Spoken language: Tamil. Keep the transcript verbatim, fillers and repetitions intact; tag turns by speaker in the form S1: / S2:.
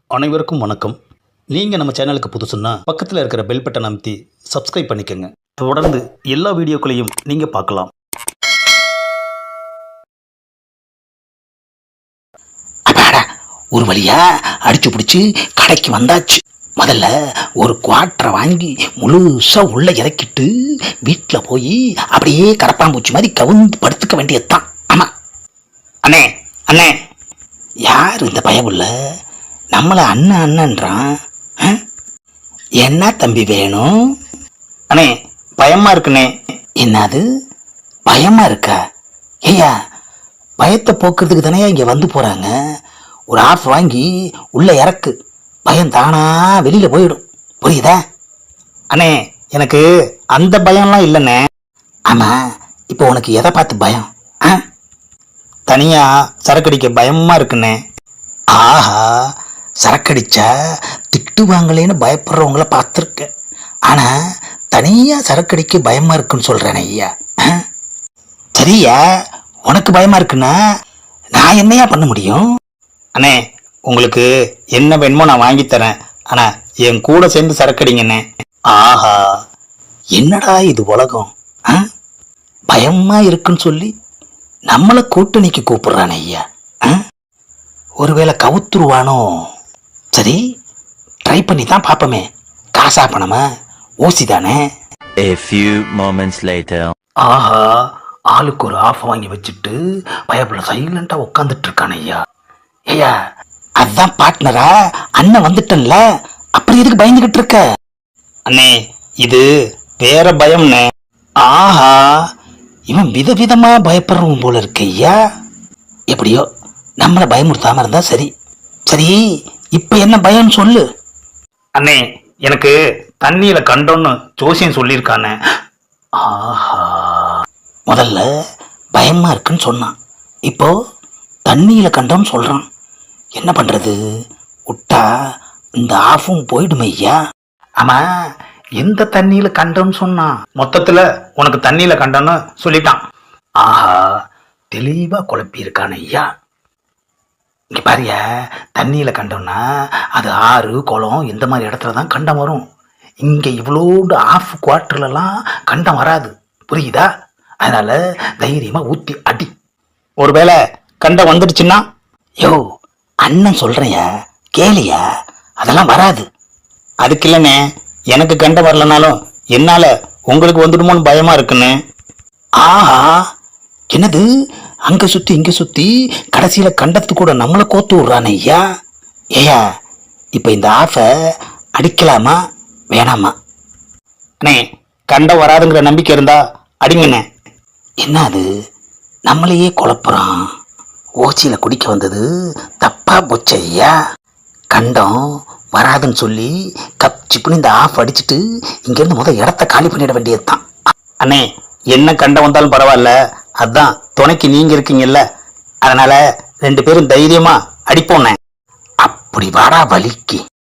S1: அனைவருக்கும் வணக்கம். நீங்கள் நம்ம சேனலுக்கு புதுசுன்னா பக்கத்தில் இருக்கிற பெல் பட்டன் அமைத்தி சப்ஸ்கிரைப் பண்ணிக்கோங்க. தொடர்ந்து எல்லா வீடியோக்களையும் நீங்கள் பார்க்கலாம்.
S2: அப்பாடா, ஒரு வழியா அடிச்சு பிடிச்சி கடைக்கு வந்தாச்சு. முதல்ல ஒரு குவாட்டரை வாங்கி முழுசா உள்ள இறக்கிட்டு வீட்டில் போய் அப்படியே கரப்பாம்பூச்சி மாதிரி கவுந்து படுத்துக்க வேண்டியதுதான். ஆமா அண்ணே அண்ணே, யார் இந்த பயமுள்ள நம்மளை அண்ணன் அண்ணன்றான்? என்ன தம்பி வேணும்?
S1: அண்ணே, பயமாக இருக்குண்ணே.
S2: என்னது பயமா இருக்கா? ஐயா, பயத்தை போக்குறதுக்கு தானே இங்கே வந்து போகிறாங்க. ஒரு ஆஃப் வாங்கி உள்ளே இறக்கு, பயம் தானா வெளியில் போயிடும். புரியுதா?
S1: அண்ணே, எனக்கு அந்த பயம்லாம் இல்லைண்ணே.
S2: ஆமாம், இப்போ உனக்கு எதை பார்த்து பயம்? ஆ,
S1: தனியாக சரக்கடிக்க பயமாக இருக்குண்ணே.
S2: ஆஹா, சரக்கடிச்சா திட்டுவாங்களேன்னு பயப்படுறவங்கள பார்த்துருக்கேன். ஆனால் தனியாக சரக்கடிக்க பயமாக இருக்குன்னு சொல்கிறேன் ஐயா. சரியா, உனக்கு பயமாக இருக்குன்னா நான் என்னையா பண்ண முடியும்?
S1: அண்ணே, உங்களுக்கு என்ன வேணுமோ நான் வாங்கித்தரேன். ஆனால் என் கூட சேர்ந்து சரக்கடிங்கண்ணே.
S2: ஆஹா, என்னடா இது உலகம்! ஆ, பயமாக இருக்குன்னு சொல்லி நம்மளை கூட்டணிக்கு கூப்பிடுறான் ஐயா. ஆ, ஒருவேளை கவுத்துருவானோ? சரி, ட்ரை பண்ணி தான் பார்ப்போமே. காசா பணமா ஊசி தானே.
S3: A few moments later.
S2: ஆஹா, ஆளுக்கு ஒரு ஆஃப் வாங்கி வச்சுட்டு பயப்புல சைலண்டா உட்காந்துட்டு இருக்கான் ஐயா. ஐயா, அதான் பார்ட்னரா அண்ணன் வந்துட்டன்ல, அப்புறம் எதுக்கு பயந்துகிட்டு இருக்க?
S1: அண்ணே, இது வேற பயம்ண்ணே.
S2: ஆஹா, இவன் விதவிதமா பயப்படுறவன் போல இருக்கு ஐயா. எப்படியோ நம்மளை பயமுறுத்தாம இருந்தா சரி. சரி, இப்ப என்ன பயம்னு சொல்லு.
S1: அண்ணே, எனக்கு தண்ணியில கண்டோன்னு ஜோசியம் சொல்லியிருக்கானே.
S2: ஆஹா, முதல்ல பயமா இருக்குன்னு சொன்னான், இப்போ தண்ணியில கண்டோன்னு சொல்றான். என்ன பண்றது? விட்டா இந்த ஆஃபும் போயிடுமே ஐயா.
S1: ஆமா, எந்த தண்ணியில கண்டோன்னு சொன்னான்? மொத்தத்துல உனக்கு தண்ணியில கண்டோன்னு சொல்லிட்டான்.
S2: ஆஹா, தெளிவா குழப்பி இருக்கான ஐயா. இங்க பாரியா, தண்ணியில கண்டோம்னா அது ஆறு குளம் இந்த மாதிரி இடத்துல தான் கண்டம் வரும். இங்க இவ்வளோண்டு ஆஃப் குவார்டர்லாம் கண்டம் வராது. புரியுதா? அதனால தைரியமா ஊத்தி அடி.
S1: ஒருவேளை கண்டம் வந்துடுச்சுன்னா?
S2: யோ, அண்ணன் சொல்றையா, கேளியா, அதெல்லாம் வராது.
S1: அதுக்கு இல்லைண்ணே, எனக்கு கண்டம் வரலனாலும் என்னால உங்களுக்கு வந்துடுமோன்னு பயமா இருக்குன்னு.
S2: ஆஹா, என்னது அங்க சுத்தி இங்க சுத்தி கடைசியில கண்டத்து கூட நம்மளை கோத்து விடுறானே ஐயா. ஏயா, இப்ப இந்த ஆஃபை அடிக்கலாமா வேணாமா?
S1: அண்ணே, கண்டம் வராதுங்கிற நம்பிக்கை இருந்தா அடிங்கண்ணே.
S2: என்ன அது, நம்மளையே குழப்புறான். ஓச்சியில குடிக்க வந்தது தப்பா போச்சு ஐயா. கண்டம் வராதுன்னு சொல்லி கப் சிப்புன்னு இந்த ஆஃப் அடிச்சுட்டு இங்கேருந்து முதல் இடத்த காலி பண்ணிட வேண்டியது தான்.
S1: அண்ணே, என்ன கண்டம் வந்தாலும் பரவாயில்ல, அதான் துணைக்கு நீங்க இருக்கீங்கல்ல, அதனால ரெண்டு பேரும் தைரியமா அடிப்போண்ணே.
S2: அப்படி வாடா வலிக்கு.